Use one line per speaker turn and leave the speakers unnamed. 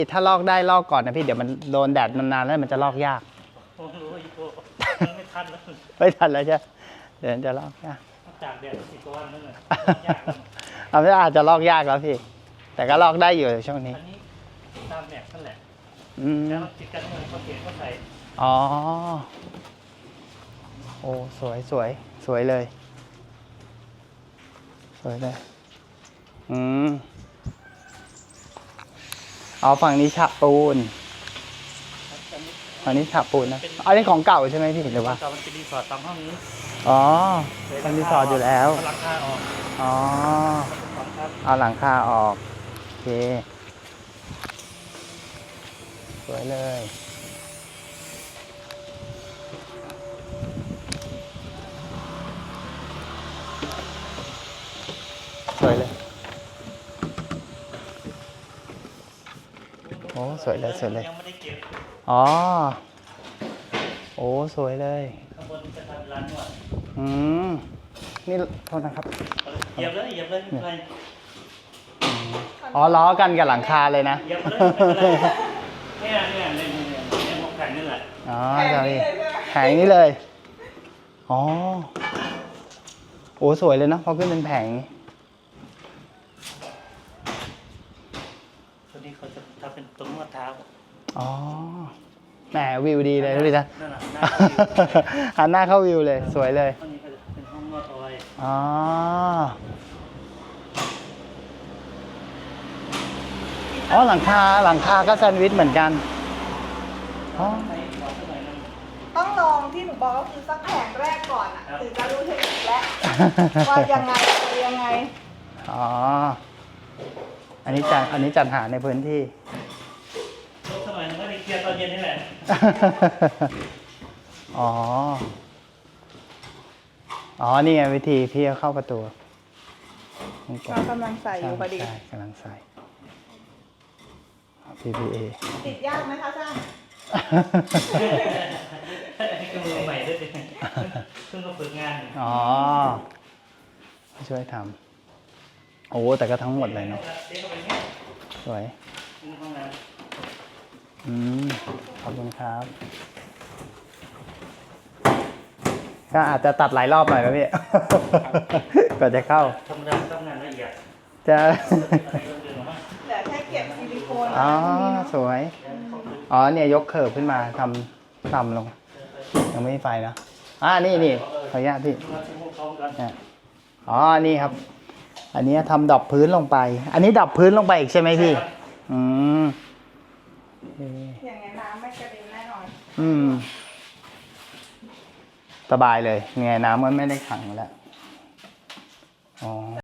ถ้าลอกได้ลอกก่อนนะพี่เดี๋ยวมันโดนแดดนานๆแล้วมันจะลอกยาก
ผมรู้อีกตัวไม่ทันแล้ว
ไม่ทันแล้วใช่เดี๋ยวจะลอกยาก
จากแดดอีกวันนึงยาก
เอาไม่อาจจะลอกยากแล้วพี่แต่ก็ลอกได้อยู่ช่วงนี้
อันนี้ตามแดดนั่นแหละ
แล้ว
ติดกันเงินเขาเขียนเขาใส่
อ๋อโอ้สวยสวยสวยเลยสวยเลยเอาฝั่งนี้ฉาบปูนฝั่งนี้ฉาบปูนนะอันนี้ของเก่าใช่ไหมพี่หรือว่า
เก่ามันเป็นรีสอร์ทตามห้องนี้
อ๋อเป็นรีสอร์ทอยู่แล้ว
หลังคาออก
อ๋อเอาหลังคาออกโอเคสวยเลยสวยเลยโอ้สวยเลยสวยเลยอ๋อโอ้สวยเลย
ข้างบนจะทำร้านนวด
นี่โทษนะครับ
เหยียบเลยเหยียบเลยไม่
อ๋อล้อกันกับหลังคาเลยนะ
เหยียบเลยเนี่ยหมกแผ่นนี่แหละ
อ๋อจะมีแผงนี้เลยอ๋อโอ้สวยเลยนะพอขึ้นเป็นแผง
ตัวนี้เขาจะทำเป็นตรงนวดเท้า
อ๋อแหมวิวดีเลยนะพี่จ๊ะหันหน้าเข้าวิวเลยสวยเลย
ห้องนี้ก็จะเป็นห้องนวดออย
อ๋ออ๋อหลังคาก็แซนด์วิชเหมือนกันอ๋อ
ต้องลองที่หนูบอกก็คือสักแผงแรกก่อนอ่ะถึงจะรู้เทคนิคแล้วว่ายังไงอะไรยังไง
อ๋ออันนี้จัดหาในพื้นที่
สมัยนึงก็ได้เคลียร์ตอนเย็นนี่แหละ
อ๋อนี่ไงวิธีพี่เข้าประตู
เรากำลังใส่อยู่พอดี
ใช่กำลังใส่ PPA
ติดยากไหมคะช่าง
ก็มือใหม่ด้วยสิเพิ่งมาฝึกงาน
ช่วยทำโอ้แต่ก็ทั้งหมดเลยเนาะสวยขอบคุณครับก็อาจจะตัดหลายรอบหน่อยนะพี่ก่อนจะเข้า
ทำงานละเอียด
จะ
แต่แค่เก็บซิลิโคน
สวยเนี่ยยกเคิร์ฟขึ้นมาทำลงยังไม่มีไฟนะนี่ขออนุญาตพี่นี่ครับอันนี้ทำดอกพื้นลงไปอันนี้ดอกพื้นลงไปอีกใช่ไหมพี่
อย่างเงี้ยน้ำไม่กระเด็นแน่นอน
สบายเลยไงน้ำมันไม่ได้ขังแล้ว